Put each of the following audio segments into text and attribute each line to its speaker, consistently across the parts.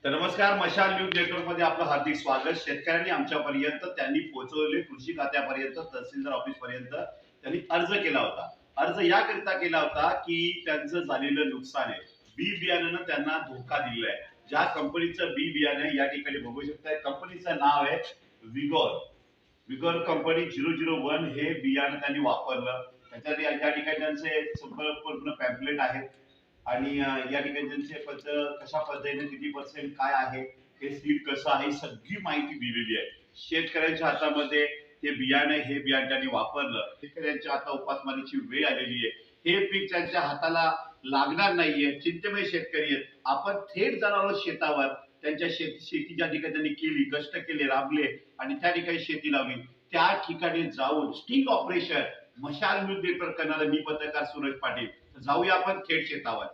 Speaker 1: तर नमस्कार, मशाल न्यूज नेटवर्क मध्ये आपलं हार्दिक स्वागत. शेतकऱ्यांनी आमच्यापर्यंत त्यांनी पोहोचवले कृषी खात्यापर्यंत, तहसीलदार ऑफिस पर्यंत त्यांनी अर्ज केला होता. अर्ज याकरिता केला होता की त्यांचं झालेलं नुकसान आहे, बी बियाण्यानं त्यांना धोका दिलेला आहे. ज्या कंपनीचं बी बियाणे या ठिकाणी बघू शकताय, कंपनीचं नाव आहे विगोर. विगोर कंपनी 001 हे बियाणं त्यांनी वापरलं. त्याच्यात या ठिकाणी त्यांचे संपूर्ण पॅम्पलेट आहेत आणि या ठिकाणी त्यांचे कशा पद्धतीने किती पर्सेंट काय आहे, हे सीड कसं आहे, सगळी माहिती दिलेली आहे. शेतकऱ्यांच्या हातामध्ये हे बियाणे त्यांनी वापरलं. शेतकऱ्यांच्या आता उपासमारीची वेळ आलेली आहे. हे पीक त्यांच्या हाताला लागणार नाहीये. चिंतेमय शेतकरी आहेत. आपण थेट जाणार आहोत शेतावर. त्यांच्या शेती ज्या ठिकाणी त्यांनी केली, कष्ट केले, राबले आणि त्या ठिकाणी शेती लावली, त्या ठिकाणी जाऊन sting operation Mashal news network करणारा मी पत्रकार सूरज पाटील. जाऊया आपण थेट शेतावर.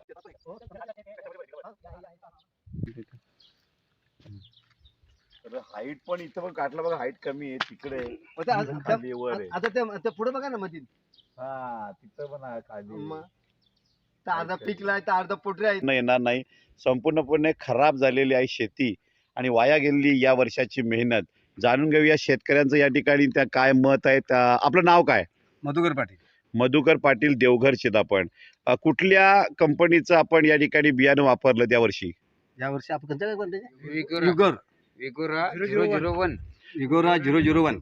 Speaker 1: हाईट पण इथं पण काटला बघा, हाईट कमी आहे तिकडे.
Speaker 2: आता ते पुढे बघा ना मधील.
Speaker 1: हा, तिथं पण आहे खाली.
Speaker 2: तर अर्धा पिकलाय तर अर्धा पोटरे आहे.
Speaker 3: येणार नाही. संपूर्णपणे खराब झालेली आहे शेती आणि वाया गेलेली या वर्षाची मेहनत. जाणून घेऊया शेतकऱ्यांचं या ठिकाणी त्या काय मत आहे. आपलं नाव काय?
Speaker 2: मधुकर पाटील.
Speaker 3: मधुकर पाटील, देवघर चितापण. कुठल्या कंपनीचं आपण या ठिकाणी बियाणं वापरलं त्या वर्षी?
Speaker 2: या वर्षी आपण कोणत्या
Speaker 4: विगोरा 001.
Speaker 2: विगोरा 001.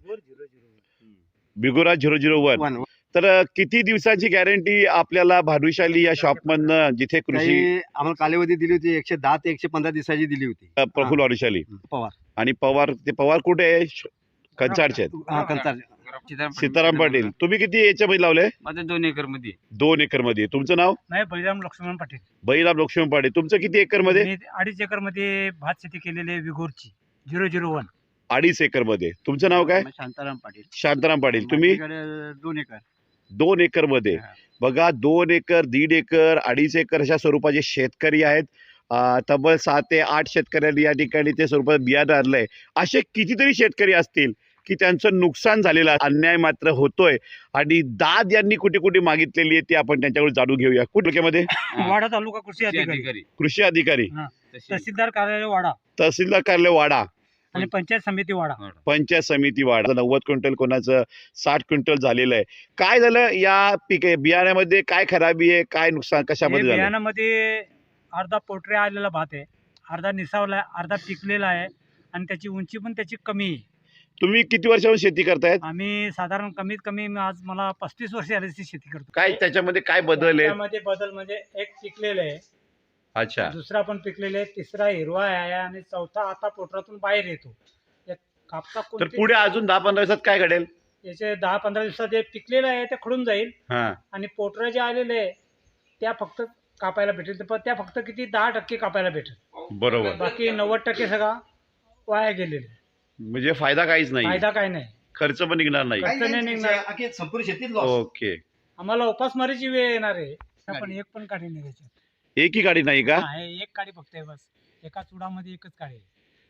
Speaker 3: बिगोरा 001. तर किती दिवसाची गॅरंटी आपल्याला भानुशाली या शॉप मधनं, जिथे कृषी
Speaker 2: आम्हाला कालावधी दिली होती 110 ते 115 दिवसाची दिली होती.
Speaker 3: प्रफुल्ल भानुशाली
Speaker 2: पवार
Speaker 3: आणि पवार कुठे आहे? कंचारचे आहेत. सीताराम पाटील. तुम्ही किती याच्यामध्ये लावले?
Speaker 4: माझं 2 एकर मध्ये.
Speaker 3: 2 एकर मध्ये. तुमचं नाव?
Speaker 5: नाही, बळीराम लक्ष्मण पाटील.
Speaker 3: बळीराम लक्ष्मण पाटील. तुमचं किती एकर मध्ये?
Speaker 5: मी 2.5 एकर मध्ये भात शेती केलेली आहे, विगोरची 001.
Speaker 3: 2.5 एकर मध्ये. तुमचं नाव काय?
Speaker 4: शांताराम पाटील.
Speaker 3: शांताराम पाटील. तुम्ही?
Speaker 4: 2 एकर.
Speaker 3: 2 एकर मध्ये. बघा, 2 एकर, 1.5 एकर, 2.5 एकर अशा स्वरूपाचे शेतकरी आहेत. तब्बल 7 ते 8 शेतकऱ्यांनी या ठिकाणी ते स्वरूपात बियाणं आणलंय. असे कितीतरी शेतकरी असतील की त्यांचं नुकसान झालेलं आहे, अन्याय मात्र होतोय आणि दाद यांनी कुठे कुठे मागितलेली आहे ती आपण त्यांच्याकडून जाणून घेऊया. कुठे?
Speaker 5: वाडा तालुका कृषी अधिकारी,
Speaker 3: कृषी अधिकारी,
Speaker 5: तहसीलदार कार्यालय वाडा
Speaker 3: तहसीलदार कार्यालय वाडा
Speaker 5: आणि पंचायत समिती वाडा.
Speaker 3: पंचायत समिती वाडा. 90 क्विंटल, कोणाचं 60 क्विंटल झालेलं आहे. काय झालं या बियाण्यामध्ये? काय खराबी आहे, काय नुकसान कशामध्ये झालं?
Speaker 5: बियाणामध्ये अर्धा पोटरे आलेला भात आहे, अर्धा निसावला आहे, अर्धा पिकलेला आहे आणि त्याची उंची पण त्याची कमी आहे.
Speaker 3: तुम्ही किती वर्षापासून शेती करतायत?
Speaker 5: आम्ही साधारण कमीत कमी आज मला 35 वर्ष आल्याची शेती करतो.
Speaker 3: काय त्याच्यामध्ये काय बदल आहे?
Speaker 5: त्यामध्ये बदल म्हणजे एक पिकलेलं आहे,
Speaker 3: अच्छा,
Speaker 5: दुसरा पण पिकलेला आहे, तिसरा हिरवा आहे आणि चौथा आता पोटरातून बाहेर येतो. कापसा
Speaker 3: तर पुढे अजून 10-15 दिवसात काय घडेल?
Speaker 5: याचे 10-15 दिवसात जे पिकलेलं आहे ते खडून जाईल
Speaker 3: हा,
Speaker 5: आणि पोटरं जे आलेले आहे त्या फक्त कापायला भेटेल. पण त्या फक्त किती 10% कापायला भेटेल,
Speaker 3: बरोबर.
Speaker 5: बाकी 90% सगळा वाया गेलेले.
Speaker 3: म्हणजे फायदा काहीच नाही,
Speaker 5: फायदा काय नाही,
Speaker 3: खर्च पण निघणार नाही.
Speaker 5: खर्च नाही निघणार.
Speaker 2: संपूर्ण शेतीत
Speaker 3: ओके.
Speaker 5: आम्हाला उपासमारीची वेळ येणार आहे. पण एक पण काढी नाही त्याच्यात.
Speaker 3: एकही गाडी नाही का?
Speaker 5: हा, हे एक काडी फक्त आहे बस. एका चुडामध्ये एकच काडी आहे.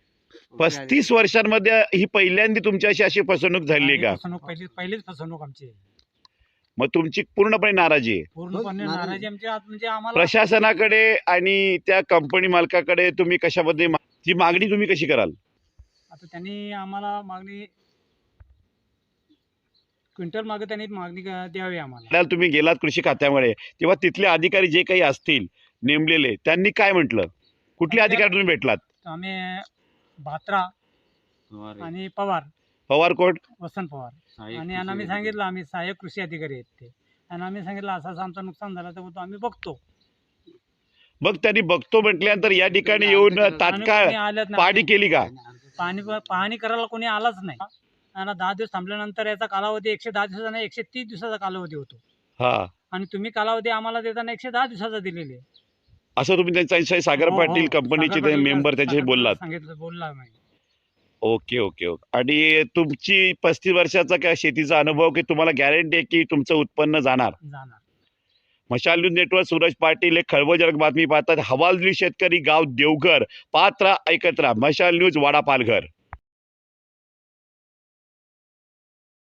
Speaker 3: 35 वर्षांमध्ये ही पहिल्यांदा तुमच्याशी अशी फसवणूक झाली का?
Speaker 5: फसवणूक पहिलीच फसवणूक आमची आहे.
Speaker 3: मग तुमची पूर्णपणे नाराजी आहे?
Speaker 5: पूर्णपणे नाराजी आमची. म्हणजे आम्हाला
Speaker 3: प्रशासनाकडे आणि त्या कंपनी मालकाकडे तुम्ही कशामध्ये ती मागणी तुम्ही कशी कराल?
Speaker 5: आता त्यांनी आम्हाला मागणी क्विंटल मागे त्यांनी मागणी द्यावी आम्हाला.
Speaker 3: तुम्ही गेलात कृषी खात्यामध्ये, तेव्हा तिथले अधिकारी जे काही असतील नेमलेले, त्यांनी काय म्हटलं? कुठले अधिकारी तुम्ही भेटलात?
Speaker 5: आम्ही भात्रा आणि
Speaker 3: पवार कोट,
Speaker 5: वसंत पवार आणि आम्ही सांगितलं आम्ही सहाय्यक कृषी अधिकारी आहेत ते, आणि आम्ही सांगितलं असं आमचं नुकसान झालं तर बोलतो आम्ही बघतो.
Speaker 3: मग त्यांनी बघतो म्हटल्यानंतर या ठिकाणी येऊन तात्काळ पाहणी केली का?
Speaker 5: पाहणी करायला कोणी आलाच नाही. आणि 10 दिवस थांबल्यानंतर याचा कालावधी 110 दिवसाचा नाही 130 दिवसाचा कालावधी होतो.
Speaker 3: हा,
Speaker 5: आणि तुम्ही कालावधी आम्हाला देताना 110 दिवसाचा दिलेले.
Speaker 3: असं तुम्ही त्यांच्या सागर पाटील कंपनीचे मेंबर त्याच्याशी बोललात?
Speaker 5: सांगितलं, बोलला नाही.
Speaker 3: Okay okay okay. आणि तुमची 35 वर्षाचा काय शेतीचा अनुभव की तुम्हाला गॅरंटी आहे की तुमचं उत्पन्न जाणार? मशाल न्यूज नेटवर्क सूरज पाटील एक खळबळजनक बातमी पाहतात. हवालदिल शेतकरी गाव देवघर, पात्रा ऐकत राहा. मशाल न्यूज, वाडा पालघर.